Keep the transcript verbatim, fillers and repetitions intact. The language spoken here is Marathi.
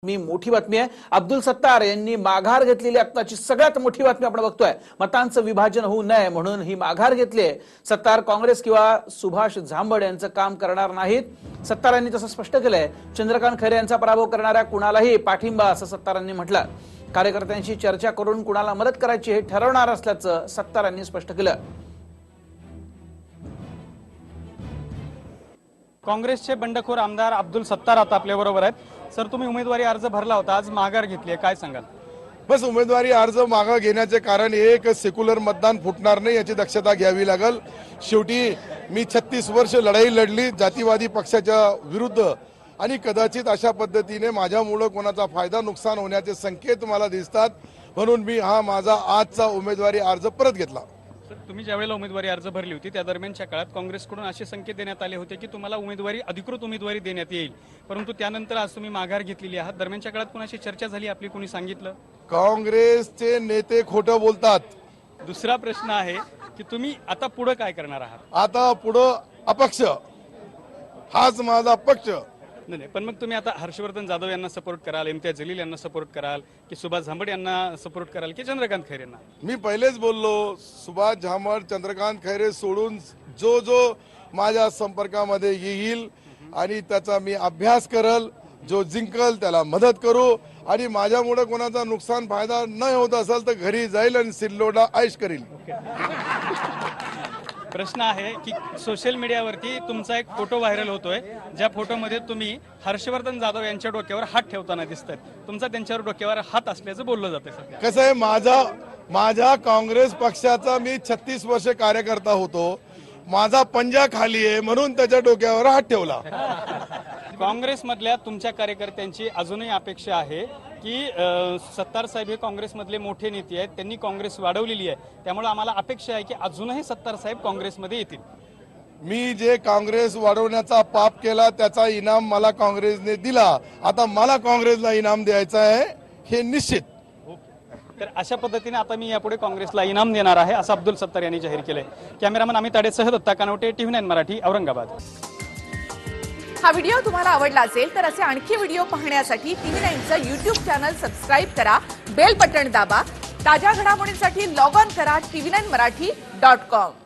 मी मोठी बातमी आहे। अब्दुल सत्तार यांनी माघार घेतलेली आत्ताची सगळ्यात मोठी बातमी आपण बघतोय। मतांचं विभाजन होऊ नये म्हणून ही माघार घेतली आहे। सत्तार काँग्रेस किंवा सुभाष झांबड यांचं काम करणार नाहीत। सत्तारांनी तसं स्पष्ट केलंय। चंद्रकांत खैरे यांचा पराभव करणाऱ्या कुणालाही पाठिंबा असं सत्तारांनी म्हटलं। कार्यकर्त्यांशी चर्चा करून कुणाला मदत करायची हे ठरवणार असल्याचं सत्तारांनी स्पष्ट केलं। काँग्रेसचे बंडखोर आमदार अब्दुल सत्तार आता आपल्या बरोबर आहेत। सर, तुम्ही उमेदवारी अर्ज भरला होता, आज माघार घेतली आहे, काय सांगाल? बस उमेदवारी अर्ज मागे घेण्याचे कारण एक सेक्युलर मतदान फुटणार नाही याची दक्षता घ्यावी लागेल। शेवटी मी छत्तीस वर्ष लढाई लढली जातीवादी पक्षाच्या विरुद्ध आणि कदाचित अशा पद्धतीने माझ्यामुळे कोणाचा फायदा नुकसान होण्याचे संकेत मला दिसतात, म्हणून मी हा माझा आजचा उमेदवारी अर्ज परत घेतला। तुम्ही ज्यावेळेला उमेदवारी अर्ज भरली होती त्या दरम्यानच्या काळात काँग्रेसकडून असे संकेत देण्यात आले होते की तुम्हाला उमेदवारी अधिकृत उमेदवारी देण्यात येईल, परंतु त्यानंतर आज तुम्ही माघार घेतलेली आहात। दरम्यानच्या काळात कोणाशी चर्चा झाली आपली, कोणी सांगितलं? काँग्रेसचे नेते खोटं बोलतात। दुसरा प्रश्न आहे की तुम्ही आता पुढे काय करणार आहात? आता पुढे अपक्ष, हाच माझा पक्ष। नाही नाही, पण मग तुम्ही आता हर्षवर्धन जाधव यांना सपोर्ट कराल, इम्तियाज जलील यांना सपोर्ट कराल की सुभाष झांबड यांना सपोर्ट कराल की चंद्रकांत खैरे यांना? मी पहिलेच बोललो, सुभाष झांबड चंद्रकांत खैरे सोडून जो जो माझ्या संपर्कामध्ये येईल आणि त्याचा मी अभ्यास करल, जो जिंकल त्याला मदत करू आणि माझ्यामुळे कोणाचा नुकसान फायदा न होत असेल तर घरी जाईल आणि सिल्लोडला ऐश करील। प्रश्न आहे की सोशल मीडियावरती तुमचा एक फोटो व्हायरल होतोय, ज्या फोटोमध्ये तुम्ही हर्षवर्धन जाधव यांच्या डोक्यावर हात ठेवताना दिसतात। तुमचा त्यांच्यावर डोक्यावर हात असल्याचं बोललं जातंय सध्या। कसं आहे, माझा माझ्या काँग्रेस पक्षाचा मी छत्तीस वर्ष कार्यकर्ता होतो, माझा पंजा खाली आहे म्हणून त्याच्या डोक्यावर हात ठेवला। काँग्रेसमधल्या तुमच्या कार्यकर्त्यांची अजूनही अपेक्षा आहे की सत्तार साहेब हे काँग्रेसमधले मोठे नेते आहेत, त्यांनी काँग्रेस वाढवलेली आहे, त्यामुळे आम्हाला अपेक्षा आहे की अजूनही सत्तार साहेब काँग्रेसमध्ये येतील। मी जे काँग्रेस वाढवण्याचा पाप केला त्याचा इनाम मला काँग्रेसने दिला, आता मला काँग्रेसला इनाम द्यायचा आहे हे निश्चित। तर अशा पद्धतीने आता मी यापुढे काँग्रेसला इनाम देणार आहे असं अब्दुल सत्तार यांनी जाहीर केलंय। कॅमेरामन अमित ताडेसह दत्ता कानवटे, टीव्ही नाईन मराठी, औरंगाबाद। हा व्हिडिओ तुम्हाला आवडला असेल तर असे आणखी व्हिडिओ पाहण्यासाठी टीव्ही नाईनचं यूट्यूब चॅनल सबस्क्राईब करा, बेल बटण दाबा। ताज्या घडामोडींसाठी लॉग ऑन करा TV nine Marathi dot com.